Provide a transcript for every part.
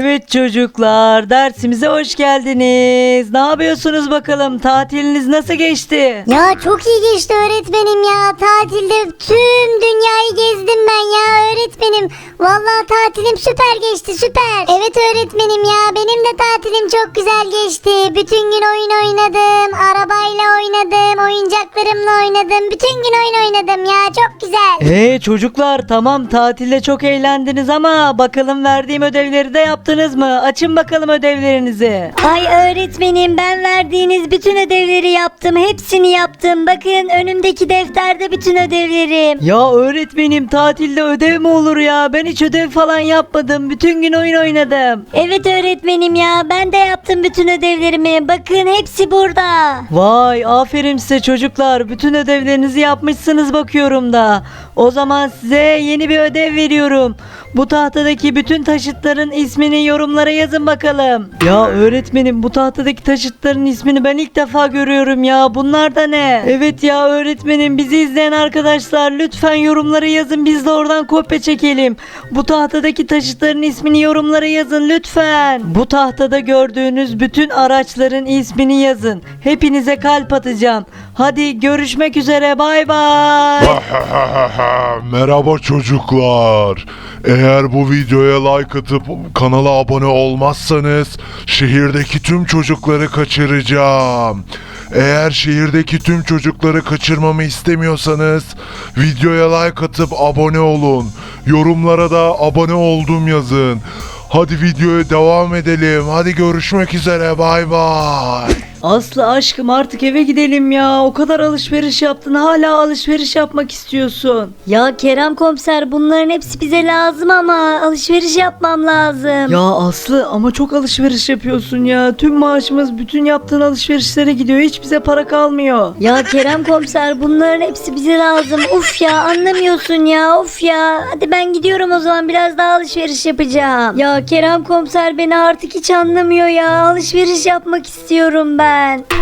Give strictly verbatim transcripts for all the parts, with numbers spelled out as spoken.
Evet çocuklar, dersimize hoş geldiniz. Ne yapıyorsunuz bakalım? Tatiliniz nasıl geçti? Ya çok iyi geçti öğretmenim ya. Tatilde tüm dünyayı gezdim ben ya öğretmenim. Vallahi tatilim süper geçti süper. Evet öğretmenim ya benim de tatilim çok güzel geçti. Bütün gün oyun oynadım. Arabayla oynadım. Oyuncaklarımla oynadım. Bütün gün oyun oynadım ya çok güzel. Ee çocuklar, tamam tatilde çok eğlendiniz ama bakalım verdiğim ödevleri de yaptınız mı? Açın bakalım ödevlerinizi. Ay öğretmenim ben verdiğiniz bütün ödevleri yaptım. Hepsini yaptım. Bakın önümdeki defterde bütün ödevlerim. Ya öğretmenim, tatilde ödev mi olur ya? Ben hiç ödev falan yapmadım. Bütün gün oyun oynadım. Evet öğretmenim ya ben de yaptım bütün ödevlerimi. Bakın hepsi burada. Vay, aferin size çocuklar. Bütün ödevlerinizi yapmışsınız bakıyorum da. O zaman size yeni bir ödev veriyorum. Bu tahtadaki bütün taşıtların ismini yorumlara yazın bakalım. Ya öğretmenim, bu tahtadaki taşıtların ismini ben ilk defa görüyorum ya. Bunlar da ne? Evet ya öğretmenim, bizi izleyen arkadaşlar lütfen yorumlara yazın. Biz de oradan kopya çekelim. Bu tahtadaki taşıtların ismini yorumlara yazın lütfen. Bu tahtada gördüğünüz bütün araçların ismini yazın. Hepinize kalp atacağım. Hadi görüşmek üzere, bay bay. Merhaba çocuklar. Eğer bu videoya like atıp kanala abone olmazsanız şehirdeki tüm çocukları kaçıracağım. Eğer şehirdeki tüm çocukları kaçırmamı istemiyorsanız videoya like atıp abone olun. Yorumlara da abone oldum yazın. Hadi videoya devam edelim. Hadi görüşmek üzere. Bay bay. Aslı aşkım, artık eve gidelim ya. O kadar alışveriş yaptın, hala alışveriş yapmak istiyorsun. Ya Kerem komiser bunların hepsi bize lazım ama alışveriş yapmam lazım. Ya Aslı, ama çok alışveriş yapıyorsun ya. Tüm maaşımız bütün yaptığın alışverişlere gidiyor. Hiç bize para kalmıyor. Ya Kerem komiser bunların hepsi bize lazım. Uf ya anlamıyorsun ya of ya. Hadi ben gidiyorum o zaman, biraz daha alışveriş yapacağım. Ya Kerem komiser beni artık hiç anlamıyor ya. Alışveriş yapmak istiyorum ben.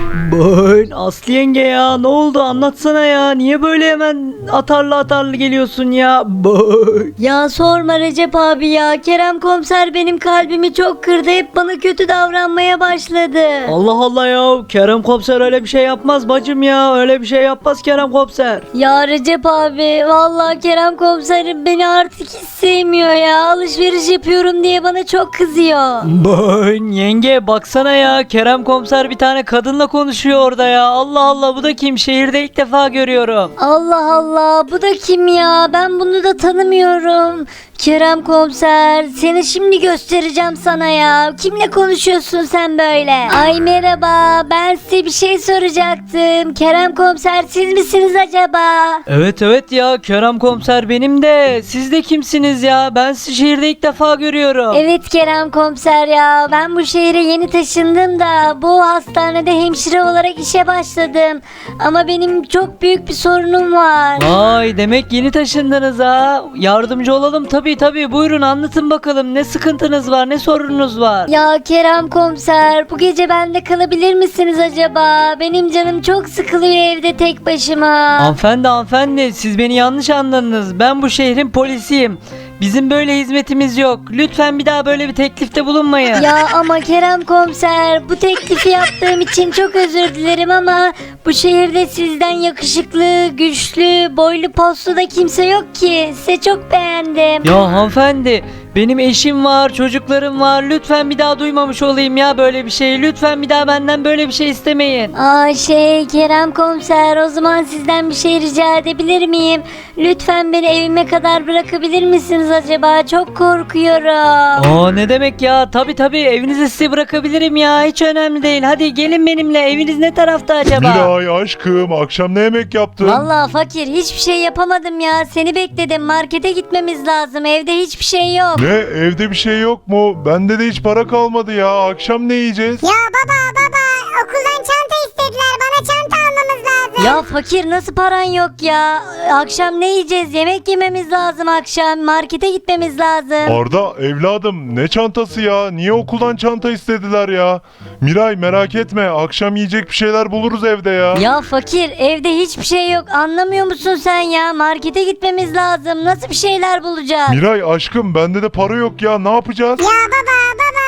Böğün Aslı yenge ya, ne oldu anlatsana ya. Niye böyle hemen atarlı atarlı geliyorsun ya? Böğün. Ya sorma Recep abi ya. Kerem komiser benim kalbimi çok kırdı. Hep bana kötü davranmaya başladı. Allah Allah ya, Kerem komiser öyle bir şey yapmaz bacım ya. Öyle bir şey yapmaz Kerem komiser. Ya Recep abi vallahi Kerem komiserim beni artık hiç sevmiyor ya. Alışveriş yapıyorum diye bana çok kızıyor. Böğün yenge, baksana ya, Kerem komiser bir tane kadınla konuşuyor orada ya. Allah Allah, bu da kim? Şehirde ilk defa görüyorum. Allah Allah bu da kim ya? Ben bunu da tanımıyorum. Kerem komiser seni şimdi göstereceğim sana ya. Kimle konuşuyorsun sen böyle? Ay merhaba, ben size bir şey soracaktım. Kerem komiser siz misiniz acaba? Evet evet ya, Kerem komiser benim de. Siz de kimsiniz ya? Ben sizi şehirde ilk defa görüyorum. Evet Kerem komiser ya, ben bu şehre yeni taşındım da bu hastanede hemşire olarak işe başladım. Ama benim çok büyük bir sorunum var. Vay, demek yeni taşındınız ha. Yardımcı olalım tabii tabii. Buyurun anlatın bakalım, ne sıkıntınız var, ne sorununuz var? Ya Kerem komiser bu gece bende kalabilir misiniz acaba? Benim canım çok sıkılıyor evde tek başıma. Hanımefendi hanımefendi, siz beni yanlış anladınız. Ben bu şehrin polisiyim. Bizim böyle hizmetimiz yok. Lütfen bir daha böyle bir teklifte bulunmayın. Ya ama Kerem komiser bu teklifi yaptığım için çok özür dilerim ama bu şehirde sizden yakışıklı, güçlü, boylu postlu da kimse yok ki. Size çok beğendim. Ya hanımefendi, benim eşim var, çocuklarım var. Lütfen bir daha duymamış olayım ya böyle bir şey. Lütfen bir daha benden böyle bir şey istemeyin. Aa şey Kerem komiser o zaman sizden bir şey rica edebilir miyim? Lütfen beni evime kadar bırakabilir misiniz acaba? Çok korkuyorum. Aa, ne demek ya? Tabii tabii, evinize sizi bırakabilirim ya. Hiç önemli değil. Hadi gelin benimle. Eviniz ne tarafta acaba? Miray aşkım, akşam ne yemek yaptın? Vallahi fakir hiçbir şey yapamadım ya. Seni bekledim. Markete gitmemiz lazım. Evde hiçbir şey yok. Ne, evde bir şey yok mu? Bende de hiç para kalmadı ya. Akşam ne yiyeceğiz? Ya baba baba okuldan çanta istediler, bana çanta almamız lazım. Ya fakir nasıl paran yok ya? Akşam ne yiyeceğiz? Yemek yememiz lazım akşam. Markete gitmemiz lazım. Arda evladım, ne çantası ya? Niye okuldan çanta istediler ya? Miray merak etme, akşam yiyecek bir şeyler buluruz evde ya. Ya fakir evde hiçbir şey yok. Anlamıyor musun sen ya? Markete gitmemiz lazım. Nasıl bir şeyler bulacağız? Miray aşkım, bende de para yok ya, ne yapacağız? Ya baba baba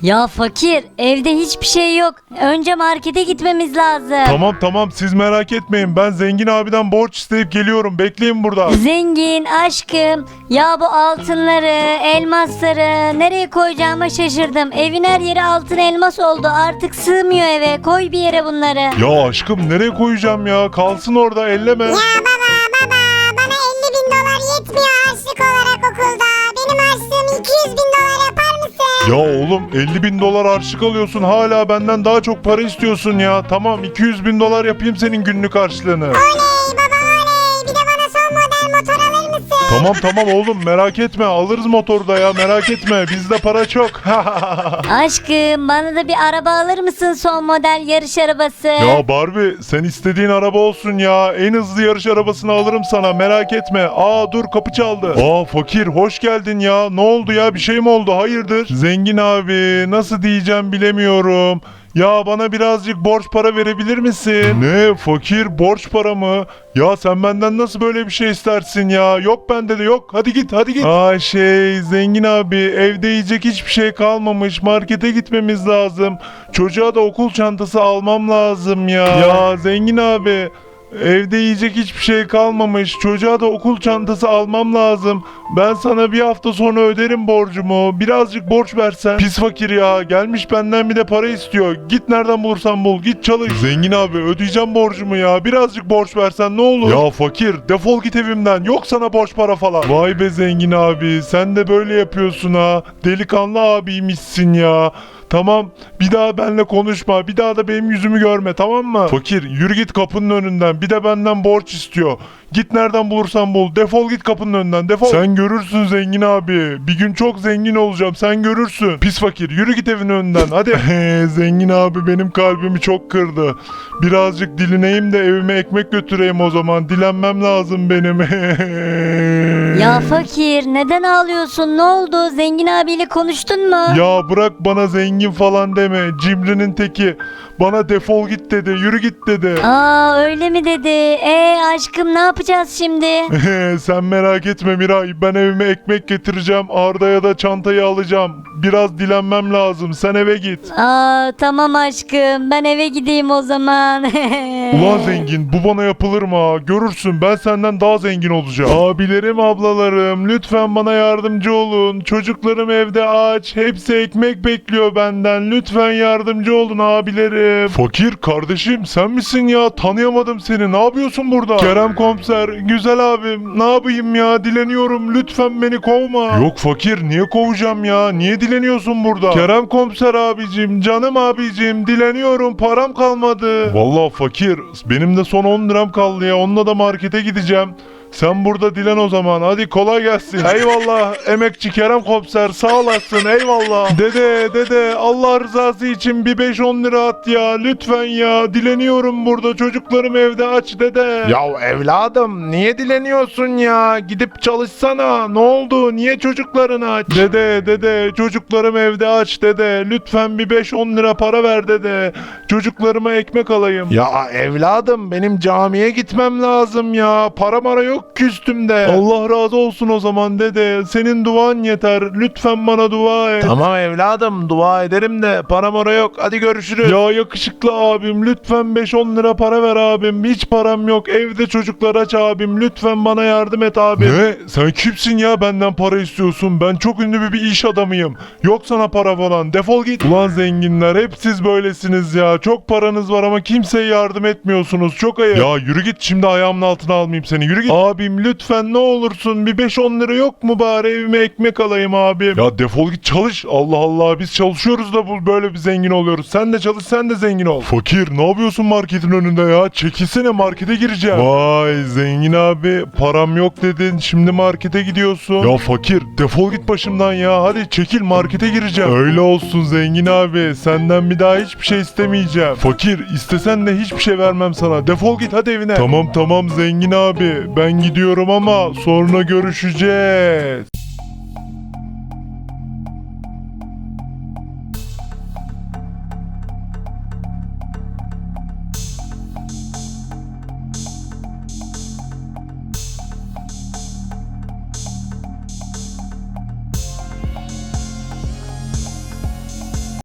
Ya fakir, evde hiçbir şey yok. Önce markete gitmemiz lazım. Tamam tamam siz merak etmeyin. Ben zengin abiden borç isteyip geliyorum. Bekleyin burada. Zengin aşkım, ya bu altınları, elmasları nereye koyacağıma şaşırdım. Evin her yeri altın elmas oldu. Artık sığmıyor eve. Koy bir yere bunları. Ya aşkım nereye koyacağım ya? Kalsın orada elleme. Ya baba baba bana elli bin dolar yetmiyor harçlık olarak okulda. Benim harçlığım iki yüz bin dolar yapar mısın? Ya oğlum elli bin dolar harçlık alıyorsun. Hala benden daha çok para istiyorsun ya. Tamam iki yüz bin dolar yapayım senin günlük harçlığını. Oley baba oley. Bir de bana son model motor alır mısın? Tamam tamam oğlum merak etme. Alırız motoru da ya merak etme. Bizde para çok. Aşkım, bana da bir araba alır mısın, son model yarış arabası? Ya Barbie sen istediğin araba olsun ya. En hızlı yarış arabasını alırım sana merak etme. Aa dur kapı çaldı. Aa fakir hoş geldin ya. Ne oldu ya bir şey mi oldu hayırdır? Zengin abi nasıl diyeceğim bilemiyorum. Ya bana birazcık borç para verebilir misin? Ne fakir borç para mı? Ya sen benden nasıl böyle bir şey istersin ya? Yok bende de yok. Hadi git hadi git. Aa şey zengin abi evde yiyecek hiçbir şey kalmamış. Markete gitmemiz lazım. Çocuğa da okul çantası almam lazım ya. Ya zengin abi evde yiyecek hiçbir şey kalmamış. Çocuğa da okul çantası almam lazım. Ben sana bir hafta sonra öderim borcumu. Birazcık borç versen. Pis fakir ya. Gelmiş benden bir de para istiyor. Git nereden bulursan bul. Git çalış. Zengin abi ödeyeceğim borcumu ya. Birazcık borç versen ne olur? Ya fakir defol git evimden. Yok sana borç para falan. Vay be zengin abi. Sen de böyle yapıyorsun ha. Delikanlı abiymişsin ya. Tamam bir daha benimle konuşma. Bir daha da benim yüzümü görme tamam mı? Fakir yürü git kapının önünden. Bir de benden borç istiyor. Git nereden bulursan bul. Defol git kapının önünden defol. Sen görürsün zengin abi. Bir gün çok zengin olacağım sen görürsün. Pis fakir yürü git evin önünden hadi. Zengin abi benim kalbimi çok kırdı. Birazcık dilineyim de evime ekmek götüreyim o zaman. Dilenmem lazım benim. Ya fakir, neden ağlıyorsun? Ne oldu? Zengin abiyle konuştun mu? Ya bırak bana zengin falan deme. Cimrinin teki. Bana defol git dedi. Yürü git dedi. Aa, öyle mi dedi? Ee aşkım, ne yapacağız şimdi? Sen merak etme Miray. Ben evime ekmek getireceğim. Arda'ya da çantayı alacağım. Biraz dilenmem lazım. Sen eve git. Aa, tamam aşkım, ben eve gideyim o zaman. Ulan zengin bu bana yapılır mı ha? Görürsün ben senden daha zengin olacağım. Abilerim ablalarım lütfen bana yardımcı olun. Çocuklarım evde aç. Hepsi ekmek bekliyor benden. Lütfen yardımcı olun abilerim. Fakir kardeşim sen misin ya? Tanıyamadım seni. Ne yapıyorsun burada? Kerem komiser güzel abim. Ne yapayım ya? Dileniyorum. Lütfen beni kovma. Yok fakir niye kovacağım ya? Niye dileniyorsun burada? Kerem komiser abicim canım abicim dileniyorum. Param kalmadı. Vallahi fakir benim de son on liram kaldı ya. Onunla da markete gideceğim. Sen burada dilen o zaman. Hadi kolay gelsin. Eyvallah emekçi Kerem komiser sağ olasın eyvallah. Dede dede Allah rızası için bir beş on lira at ya. Lütfen ya dileniyorum burada. Çocuklarım evde aç dede. Ya evladım niye dileniyorsun ya? Gidip çalışsana. Ne oldu? Niye çocukların aç? Dede dede çocuklarım evde aç dede. Lütfen bir beş on lira para ver dede. Çocuklarıma ekmek alayım. Ya evladım benim camiye gitmem lazım ya. Para mara yok ki üstümde. Allah razı olsun o zaman dede. Senin duan yeter. Lütfen bana dua et. Tamam evladım dua ederim de para mara yok. Hadi görüşürüz. Ya yakışıklı abim lütfen beş on lira para ver abim. Hiç param yok. Evde çocuklar aç abim. Lütfen bana yardım et abim. Ne? Sen kimsin ya benden para istiyorsun? Ben çok ünlü bir, bir iş adamıyım. Yok sana para falan. Defol git. Ulan zenginler hep siz böylesiniz ya. Çok paranız var ama kimseye yardım etmiyorsunuz. Çok ayıp. Ya yürü git şimdi ayağımın altına almayayım seni. Yürü git. Abim lütfen ne olursun bir beş on lira yok mu bari evime ekmek alayım abim. Ya defol git çalış. Allah Allah biz çalışıyoruz da bu böyle bir zengin oluyoruz. Sen de çalış sen de zengin ol. Fakir ne yapıyorsun marketin önünde ya? Çekilsene markete gireceğim. Vay zengin abi param yok dedin şimdi markete gidiyorsun. Ya fakir defol git başımdan ya. Hadi çekil markete gireceğim. Öyle olsun zengin abi. Senden bir daha hiçbir şey istemeyeceğim. Fakir istesen de hiçbir şey vermem sana. Defol git hadi evine. Tamam tamam zengin abi. Ben gidiyorum ama sonra görüşeceğiz.